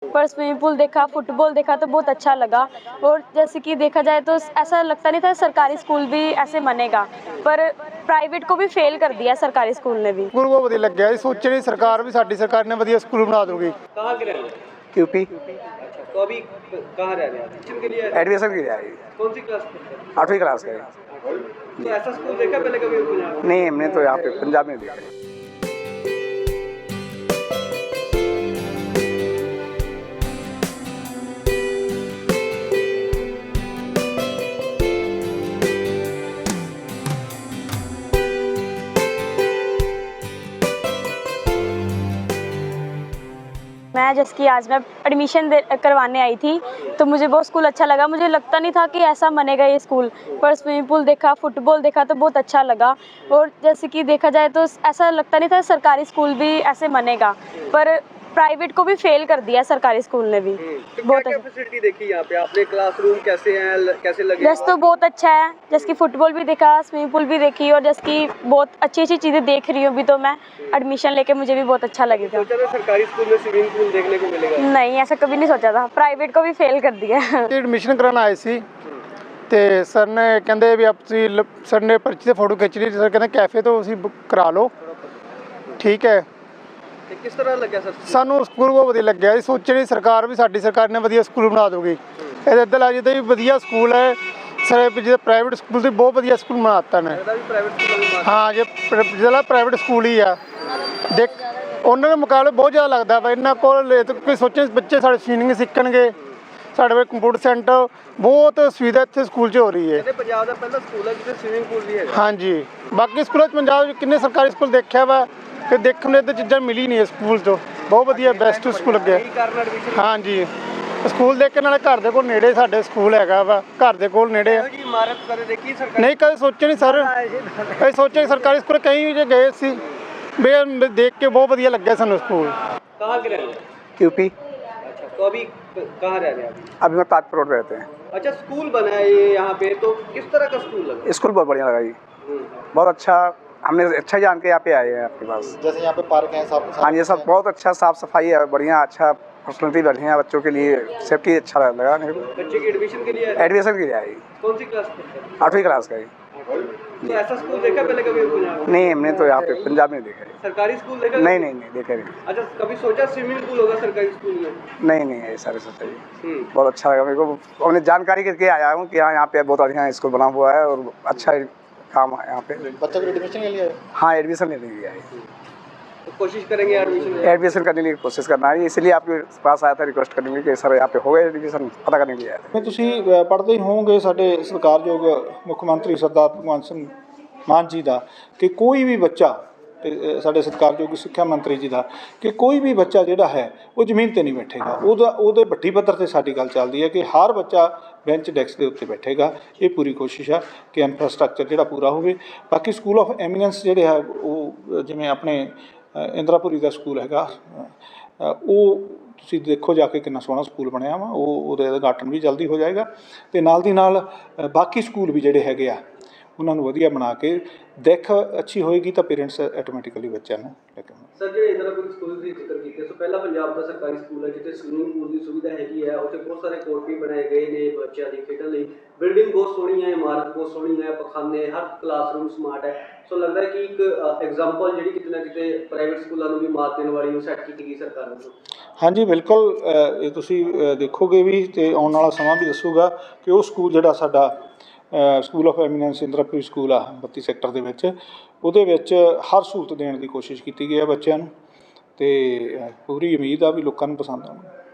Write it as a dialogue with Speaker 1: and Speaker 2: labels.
Speaker 1: पर swimming pool देखा, football देखा तो बहुत अच्छा लगा। और जैसे कि देखा जाए तो ऐसा लगता नहीं था सरकारी स्कूल भी ऐसे बनेगा, पर प्राइवेट को भी फेल कर दिया सरकारी स्कूल ने भी।
Speaker 2: स्कूल बहुत ਵਧੀਆ ਲੱਗਿਆ ਜੀ, सोचे नहीं सरकार भी साडी सरकार ने ਵਧੀਆ स्कूल बना दूगी।
Speaker 3: कहाँ के रहने वाले?
Speaker 4: यूपी।
Speaker 3: अच्छा, तो अभी कहाँ रह रहे हैं? एडमिशन के लिए आए थे?
Speaker 4: एडमिशन की जाएगी।
Speaker 3: कौन सी क्लास पढ़ते हैं?
Speaker 4: 8वीं क्लास का है।
Speaker 3: तो ऐसा स्कूल देखा पहले कभी पंजाब में?
Speaker 4: नहीं, हमने तो यहाँ पे पंजाब में देखा है।
Speaker 1: मैं जैसे कि आज मैं एडमिशन करवाने आई थी, तो मुझे वो स्कूल अच्छा लगा। मुझे लगता नहीं था कि ऐसा बनेगा ये स्कूल, पर स्विमिंग पूल देखा, फुटबॉल देखा तो बहुत अच्छा लगा। और जैसे कि देखा जाए तो ऐसा लगता नहीं था सरकारी स्कूल भी ऐसे बनेगा, पर प्राइवेट को भी फेल कर दिया सरकारी स्कूल ने भी।
Speaker 3: तो
Speaker 1: बहुत
Speaker 3: क्या फैसिलिटी देखी यहाँ पे आपने? क्लासरूम कैसे हैं, कैसे लगे?
Speaker 1: जैसे तो बहुत अच्छा है, जैसे कि फुटबॉल भी देखा, स्विमिंग पूल भी देखी, और जैसे कि बहुत अच्छी अच्छी चीज़ें देख रही हूँ अभी। तो मैं एडमिशन लेके मुझे भी बहुत अच्छा लगेगा।
Speaker 3: सोचा था सरकारी स्कूल में स्विमिंग पूल देखने को मिलेगा?
Speaker 1: नहीं, ऐसा कभी नहीं सोचा था, प्राइवेट को भी फेल कर दिया।
Speaker 2: ਐਡਮਿਸ਼ਨ ਕਰਾਉਣ ਆਏ ਸੀ ਤੇ ਸਰ ਨੇ ਕਹਿੰਦੇ ਵੀ ਆਪ ਤੁਸੀਂ ਸਰ ਨੇ ਪਰਚੀ ਤੇ ਫੋਟੋ ਖਿੱਚ ਲਈ। ਸਰ ਕਹਿੰਦੇ ਕੈਫੇ ਤੋਂ ਤੁਸੀਂ ਕਰਾ ਲਓ, ਠੀਕ ਹੈ।
Speaker 3: ਤੇ ਕਿਸ ਤਰ੍ਹਾਂ ਲੱਗਿਆ ਸਰ?
Speaker 2: ਸਾਨੂੰ ਸਕੂਲ ਬਹੁਤ ਵਧੀਆ ਲੱਗਿਆ ਜੀ, ਸੋਚੇ ਨਹੀਂ ਸਰਕਾਰ ਵੀ ਸਾਡੀ ਸਰਕਾਰ ਨੇ ਵਧੀਆ ਸਕੂਲ ਬਣਾ ਦੂਗੀ। ਇਹਦੇ ਇੱਧਰ ਆ ਜਿੱਦਾਂ ਵੀ ਵਧੀਆ ਸਕੂਲ ਹੈ ਸਰ, ਜਿਹੜਾ ਪ੍ਰਾਈਵੇਟ ਸਕੂਲ ਤੇ ਬਹੁਤ ਵਧੀਆ ਸਕੂਲ ਬਣਾ ਦਿੱਤਾ ਨੇ।
Speaker 3: ਇਹਦਾ ਵੀ ਪ੍ਰਾਈਵੇਟ ਸਕੂਲ ਵੀ
Speaker 2: ਹਾਂ, ਜੇ ਜਿਹੜਾ ਪ੍ਰਾਈਵੇਟ ਸਕੂਲ ਹੀ ਆ ਦੇਖ ਉਹਨਾਂ ਦੇ ਮੁਕਾਬਲੇ ਬਹੁਤ ਜ਼ਿਆਦਾ ਲੱਗਦਾ ਵਾ। ਇਹਨਾਂ ਕੋਲ ਕੋਈ ਸੋਚੇ ਬੱਚੇ ਸਾਡੇ ਸਵੀਮਿੰਗ ਸਿੱਖਣਗੇ, ਸਾਡੇ ਕੋਲ ਕੰਪਿਊਟਰ ਸੈਂਟਰ ਬਹੁਤ ਸੁਵਿਧਾ ਇੱਥੇ ਸਕੂਲ 'ਚ ਹੋ ਰਹੀ ਹੈ।
Speaker 3: ਕਹਿੰਦੇ ਪੰਜਾਬ ਦਾ ਪਹਿਲਾ ਸਕੂਲ ਹੈ ਜਿੱਥੇ ਸਵਿਮਿੰਗ ਪੂਲ ਵੀ ਹੈਗਾ।
Speaker 2: ਹਾਂਜੀ, ਬਾਕੀ ਸਕੂਲਾਂ 'ਚ ਪੰਜਾਬ 'ਚ ਕਿੰਨੇ ਸਰਕਾਰੀ ਸਕੂਲ ਦੇਖਿਆ ਵਾ ਕਿ ਦੇਖਣ ਨੂੰ ਇੱਦਾਂ ਚੀਜ਼ਾਂ ਮਿਲੀ ਨਹੀਂ ਸਕੂਲ 'ਚੋਂ। ਬਹੁਤ ਵਧੀਆ ਬੈਸਟ ਸਕੂਲ ਲੱਗਿਆ।
Speaker 3: ਇਹੀ ਕਾਰਨ ਐਡਮਿਸ਼ਨ?
Speaker 2: ਹਾਂਜੀ, ਸਕੂਲ ਦੇਖ ਕੇ ਨਾਲੇ ਘਰ ਦੇ ਕੋਲ ਨੇੜੇ ਸਾਡੇ ਸਕੂਲ ਹੈਗਾ ਵਾ, ਘਰ ਦੇ ਕੋਲ ਨੇੜੇ ਆ।
Speaker 3: ਇਹੋ ਜਿਹੀ ਇਮਾਰਤ ਕਦੇ ਦੇਖੀ ਸਰਕਾਰ?
Speaker 2: ਨਹੀਂ, ਕਦੇ ਸੋਚੇ ਨਹੀਂ ਸਰ। ਅਸੀਂ ਸੋਚਿਆ ਸਰਕਾਰੀ ਸਕੂਲ ਕਈ ਵੀ ਜੇ ਗਏ ਸੀ ਵੀ ਦੇਖ ਕੇ ਬਹੁਤ ਵਧੀਆ ਲੱਗਿਆ ਸਾਨੂੰ ਸਕੂਲ।
Speaker 3: कहाँ के रहने वाले?
Speaker 4: यूपी।
Speaker 3: अच्छा, तो अभी कहाँ रह रहे हैं अभी?
Speaker 4: अभी मैं ताजपुर रोड पे रहते हैं।
Speaker 3: अच्छा, स्कूल बना है ये यहाँ पे, तो किस तरह का स्कूल लगा?
Speaker 4: स्कूल बहुत बढ़िया लगा जी, बहुत अच्छा। हमने अच्छा जान के यहाँ पे आए हैं आपके पास।
Speaker 2: जैसे यहाँ पे पार्क है सब।
Speaker 4: हाँ, ये सब बहुत अच्छा, साफ सफाई है, बढ़िया, अच्छा फैसिलिटी बढ़िया है बच्चों के लिए, सेफ्टी अच्छा लगा मेरे को।
Speaker 3: बच्चे की एडमिशन के लिए आए थे?
Speaker 4: एडमिशन की जाएगी।
Speaker 3: कौन सी क्लास पढ़ते हैं?
Speaker 4: 8वीं क्लास का है।
Speaker 3: तो ऐसा स्कूल देखा पहले कभी पंजाब में?
Speaker 4: नहीं, हमने तो यहाँ पे पंजाब में देखा है।
Speaker 3: सरकारी स्कूल देखा?
Speaker 4: नहीं नहीं नहीं, देखा नहीं।
Speaker 3: अच्छा, कभी सोचा स्विमिंग पूल होगा सरकारी स्कूल में?
Speaker 4: नहीं नहीं, ये सारे सोचा जी। बहुत अच्छा लगा मेरे को, हमने जानकारी करके आया हूँ कि हाँ यहाँ पे बहुत बढ़िया स्कूल बना हुआ है और अच्छा काम है यहाँ पे।
Speaker 2: बच्चों को एडमिशन के लिए?
Speaker 4: हाँ, एडमिशन लेने के लिए आए।
Speaker 3: तो कोशिश करेंगे एडमिशन?
Speaker 4: एडमिशन करने की कोशिश करना है, इसलिए आपके पास आया था रिक्वेस्ट करने के लिए कि सर यहाँ पे हो गए एडमिशन, पता करने के लिए आया था।
Speaker 5: ਤੁਸੀਂ ਪੜ੍ਹਦੇ ਹੀ ਹੋਵੋਗੇ ਸਾਡੇ ਸਤਿਕਾਰਯੋਗ ਮੁੱਖ ਮੰਤਰੀ ਸਰਦਾਰ ਭਗਵੰਤ ਸਿੰਘ ਮਾਨ ਜੀ ਦਾ ਕਿ ਕੋਈ ਵੀ ਬੱਚਾ, ਤੇ ਸਾਡੇ ਸਤਿਕਾਰਯੋਗ ਸਿੱਖਿਆ ਮੰਤਰੀ ਜੀ ਦਾ, ਕਿ ਕੋਈ ਵੀ ਬੱਚਾ ਜਿਹੜਾ ਹੈ ਉਹ ਜ਼ਮੀਨ 'ਤੇ ਨਹੀਂ ਬੈਠੇਗਾ। ਉਹਦੇ ਵੱਡੀ ਪੱਧਰ 'ਤੇ ਸਾਡੀ ਗੱਲ ਚੱਲਦੀ ਹੈ ਕਿ ਹਰ ਬੱਚਾ ਬੈਂਚ ਡੈਸਕ ਦੇ ਉੱਤੇ ਬੈਠੇਗਾ। ਇਹ ਪੂਰੀ ਕੋਸ਼ਿਸ਼ ਆ ਕਿ ਇਨਫਰਾਸਟਰਕਚਰ ਜਿਹੜਾ ਪੂਰਾ ਹੋਵੇ। ਬਾਕੀ ਸਕੂਲ ਆਫ ਐਮੀਨੈਂਸ ਜਿਹੜੇ ਹੈ ਉਹ ਜਿਵੇਂ ਆਪਣੇ ਇੰਦਰਾਪੁਰੀ ਦਾ ਸਕੂਲ ਹੈਗਾ, ਉਹ ਤੁਸੀਂ ਦੇਖੋ ਜਾ ਕੇ ਕਿੰਨਾ ਸੋਹਣਾ ਸਕੂਲ ਬਣਿਆ ਵਾ। ਉਹਦਾ ਉਦਘਾਟਨ ਵੀ ਜਲਦੀ ਹੋ ਜਾਏਗਾ। ਅਤੇ ਨਾਲ ਦੀ ਨਾਲ ਬਾਕੀ ਸਕੂਲ ਵੀ ਜਿਹੜੇ ਹੈਗੇ ਆ ਉਹਨਾਂ ਨੂੰ ਵਧੀਆ ਬਣਾ ਕੇ ਦਿੱਖ ਅੱਛੀ ਹੋਏਗੀ ਤਾਂ ਪੇਰੈਂਟਸ ਆਟੋਮੈਟਿਕਲੀ ਬੱਚਿਆਂ ਨੂੰ ਲੈ ਕੇ ਆਉਣਗੇ।
Speaker 3: ਸਰ, ਜਿਹੜੇ ਇੰਦਰਾਪੁਰੀ ਸਕੂਲ ਦੀ ਜ਼ਿਕਰ ਕੀਤੇ, ਸੋ ਪਹਿਲਾ ਪੰਜਾਬ ਦਾ ਸਰਕਾਰੀ ਸਕੂਲ ਹੈ ਜਿੱਥੇ ਸਵਿਮਿੰਗ ਪੂਲ ਦੀ ਸੁਵਿਧਾ ਹੈਗੀ ਹੈ। ਉੱਥੇ ਬਹੁਤ ਸਾਰੇ ਕੋਰਟ ਵੀ ਬਣਾਏ ਗਏ ਨੇ ਬੱਚਿਆਂ ਦੀ ਖੇਡਣ ਲਈ। ਬਿਲਡਿੰਗ ਬਹੁਤ ਸੋਹਣੀ ਹੈ, ਇਮਾਰਤ ਬਹੁਤ ਸੋਹਣੀ ਹੈ, ਪਖਾਨੇ, ਹਰ ਕਲਾਸਰੂਮ ਸਮਾਰਟ ਹੈ। ਸੋ ਲੱਗਦਾ ਹੈ ਕਿ ਇੱਕ ਐਗਜ਼ਾਮਪਲ ਜਿਹੜੀ ਕਿਤੇ ਨਾ ਕਿਤੇ ਪ੍ਰਾਈਵੇਟ ਸਕੂਲਾਂ ਨੂੰ ਵੀ ਮਾਤ ਦੇਣ ਵਾਲੀ ਉਹ ਸੈੱਟ ਕੀਤੀ ਗਈ ਸਰਕਾਰ ਵੱਲੋਂ।
Speaker 5: ਹਾਂਜੀ ਬਿਲਕੁਲ, ਇਹ ਤੁਸੀਂ ਦੇਖੋਗੇ ਵੀ ਅਤੇ ਆਉਣ ਵਾਲਾ ਸਮਾਂ ਵੀ ਦੱਸੂਗਾ ਕਿ ਉਹ ਸਕੂਲ ਜਿਹੜਾ ਸਾਡਾ school of eminence Indrapuri school ਆ 32 ਸੈਕਟਰ ਦੇ ਵਿੱਚ, ਉਹਦੇ ਵਿੱਚ ਹਰ ਸਹੂਲਤ ਦੇਣ ਦੀ ਕੋਸ਼ਿਸ਼ ਕੀਤੀ ਗਈ ਹੈ ਬੱਚਿਆਂ ਨੂੰ, ਅਤੇ ਪੂਰੀ ਉਮੀਦ ਆ ਵੀ ਲੋਕਾਂ ਨੂੰ ਪਸੰਦ ਆਉਣਗੇ।